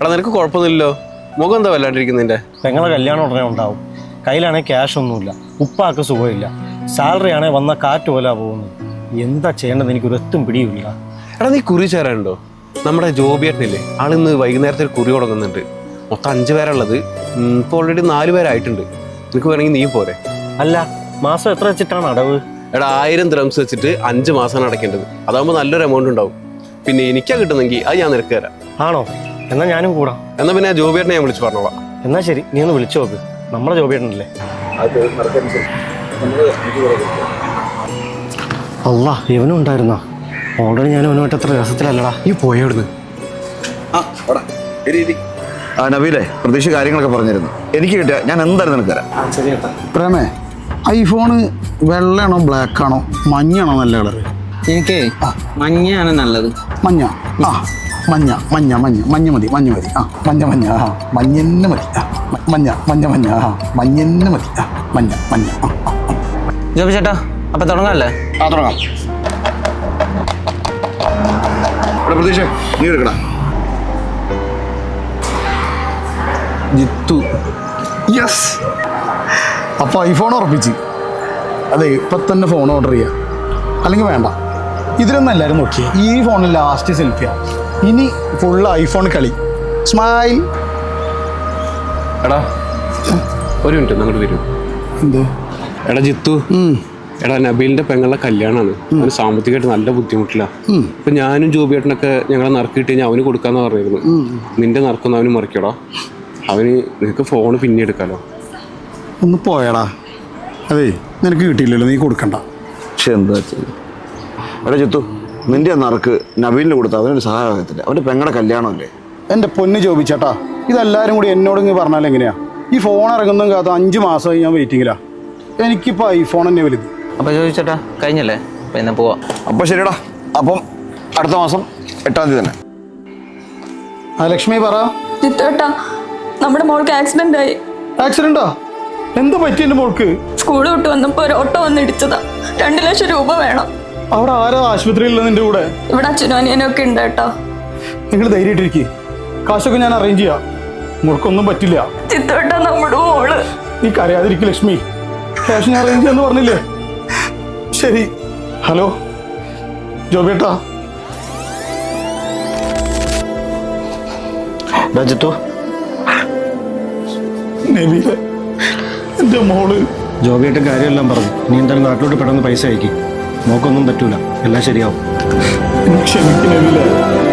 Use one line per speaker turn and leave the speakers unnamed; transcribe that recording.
എടാ നിനക്ക് കുഴപ്പമൊന്നുമില്ലല്ലോ, മുഖം എന്താ വല്ലാണ്ടിരിക്കുന്നതിൻ്റെ?
പെങ്ങളെ കല്യാണം ഉടനെ ഉണ്ടാവും. കയ്യിലാണെങ്കിൽ ക്യാഷ് ഒന്നുമില്ല, ഉപ്പാക്ക് സുഖമില്ല, സാലറി ആണെങ്കിൽ വന്ന കാറ്റ് പോലെ പോകുന്നു. എന്താ ചെയ്യേണ്ടത് എനിക്ക് ഒരെത്തും പിടിയില്ല.
എടാ നീ കുറി ചേരാനുണ്ടോ? നമ്മുടെ ജോബിയേട്ടനില്ലേ, ആളിന്ന് വൈകുന്നേരത്തെ ഒരു കുറി തുടങ്ങുന്നുണ്ട്. മൊത്തം 5 പേരുള്ളത്, ഇപ്പോൾ ഓൾറെഡി 4 പേരായിട്ടുണ്ട്. നിനക്ക് വേണമെങ്കിൽ നീ പോരെ?
അല്ല, മാസം എത്ര വെച്ചിട്ടാണ് അടവ്?
എടാ 1000 ദിർഹംസ് വെച്ചിട്ട് 5 മാസമാണ് അടയ്ക്കേണ്ടത്. അതാകുമ്പോൾ നല്ലൊരു എമൗണ്ട് ഉണ്ടാവും. പിന്നെ എനിക്കാ കിട്ടുന്നെങ്കിൽ അത് ഞാൻ നിനക്ക് തരാം.
ആണോ? എന്നാൽ ഞാനും കൂടാം.
എന്നാൽ പിന്നെ ജോബിയേട്ടനെ ഞാൻ വിളിച്ച് പറഞ്ഞോളാം.
എന്നാൽ ശരി, നീ ഒന്ന് വിളിച്ചു നോക്ക്. നമ്മുടെ ജോബിയേട്ടനല്ലേ? അല്ല, ഇവനും ഉണ്ടായിരുന്നോ? ഓൾറെഡി ഞാൻ അവനുമായിട്ട് അത്ര രസത്തിലല്ലടാ.
ഈ പോയവിടുന്ന്.
നബീലെ, പ്രതീക്ഷ കാര്യങ്ങളൊക്കെ പറഞ്ഞിരുന്നു. എനിക്ക് കിട്ടിയ ഞാൻ എന്തായാലും നിനക്ക് തരാം.
പ്രേമേ, ഐഫോണ് വെള്ളയാണോ ബ്ലാക്കാണോ മഞ്ഞാണോ നല്ല കളറ്?
എനിക്ക് മഞ്ഞയാണ് നല്ലത്.
മഞ്ഞ. ആ മഞ്ഞ മഞ്ഞ മഞ്ഞ മഞ്ഞ മതി, മഞ്ഞ മതി. ആ മഞ്ഞ മഞ്ഞ. ആ മഞ്ഞന്നെ മതി. ആ മഞ്ഞ മഞ്ഞ മഞ്ഞ. ആ മഞ്ഞന്നെ മതി. ആ മഞ്ഞ മഞ്ഞ.
ജോബി ചേട്ടാ, അപ്പൊ തുടങ്ങാല്ലേ?
ആ തുടങ്ങാം. പ്രതീക്ഷ നീ എടുക്കടാ.
ജിത്തു. യെസ്, അപ്പോൾ ഐഫോൺ ഉറപ്പിച്ച്. അതെ, ഇപ്പം തന്നെ ഫോൺ ഓർഡർ ചെയ്യുക. അല്ലെങ്കിൽ വേണ്ട, ഇതിലൊന്നും എല്ലാവരും നോക്കിയേ. ഈ ഫോണിൽ ലാസ്റ്റ് സെൽഫിയാണ്. ഇനി ഫുള്ള് ഐഫോൺ കളി. സ്മൈൽ.
എടാ ഒരു മിനിറ്റ് അങ്ങോട്ട് വരും.
എന്ത്?
എടാ ജിത്തു, എടാ നബീലിന്റെ പെങ്ങളുടെ കല്യാണമാണ്. അവന് സാമ്പത്തികമായിട്ട് നല്ല ബുദ്ധിമുട്ടില്ല. ഇപ്പൊ ഞാനും ജോബിയേട്ടനൊക്കെ ഞങ്ങളെ നറുക്ക് കിട്ടി ഞാൻ അവന് കൊടുക്കാന്ന് പറഞ്ഞിരുന്നു. നിന്റെ നറുക്കൊന്നും അവന് മറിക്കടാ. അവന് നിനക്ക് ഫോണ് പിന്നെ എടുക്കാലോ.
ഒന്ന് പോയടാ. അതെ, നിനക്ക് കിട്ടിയില്ലല്ലോ, നീ കൊടുക്കണ്ട.
പക്ഷെ എന്താ ചെയ്യും? എടാ ചിത്തു, നിന്റെ നറുക്ക് നബീലിന് കൊടുത്ത അവനൊരു സഹായത്തില്ല. അവൻ്റെ പെങ്ങളുടെ കല്യാണമല്ലേ?
എൻ്റെ പൊന്ന് ചോദിച്ചേട്ടാ, ഇതെല്ലാവരും കൂടി എന്നോട് ഇങ്ങനെ പറഞ്ഞാൽ എങ്ങനെയാ? ഈ ഫോൺ ഇറങ്ങുന്നതും കാത്ത 5 മാസമായി ഞാൻ വെയിറ്റിങ്ങിലാ. എനിക്കിപ്പോൾ ഐഫോൺ തന്നെ വലുത്.
അപ്പൊ ജോബി ചേട്ടാ കഴിഞ്ഞല്ലേ? അപ്പൊ എന്നാ പോവാ.
അപ്പോൾ ശരിടാ, അപ്പം അടുത്ത മാസം 8-ാം തീയതി തന്നെ.
ആ ലക്ഷ്മി പറ.
ജിത്തേട്ടാ, നമ്മുടെ മോൾക്ക് ആക്സിഡന്റ് ആയി.
ആക്സിഡന്റാ? എന്താ പറ്റി എൻ്റെ മോൾക്ക്?
സ്കൂൾ വിട്ട് വന്നപ്പോ ഒരു ഓട്ടോ വന്ന് ഇടിച്ചതാ. 2 ലക്ഷം രൂപ വേണം.
അവിടെ ആരാ ആശുപത്രിയിലുള്ള നിന്റെ കൂടെ?
ഇവിടെ അച്ഛനും അനിയനൊക്കെ ഉണ്ട് കേട്ടോ.
നിങ്ങൾ ധൈര്യമായിട്ടിരിക്കുക, കാശൊക്കെ ഞാൻ അറേഞ്ച് ചെയ്യാം. മോൾക്കൊന്നും പറ്റില്ല.
ജിത്തേട്ടാ, നമ്മുടെ മോള്.
നീ കരയാതിരിക്കും ലക്ഷ്മി, ക്യാഷ് ഞാൻ അറേഞ്ച് ചെയ്യാന്ന് പറഞ്ഞില്ലേ? ശരി. ഹലോ ജോബേട്ടാ.
ജിത്തു,
നബീലെ, എൻ്റെ മോള്.
ജോബിയായിട്ട് കാര്യമെല്ലാം പറഞ്ഞു. നീ എന്തായാലും നാട്ടിലോട്ട് പെട്ടെന്ന് പൈസ അയക്കും. മോക്കൊന്നും പറ്റൂല, എല്ലാം ശരിയാവും.
ക്ഷമിക്കും നബീലെ.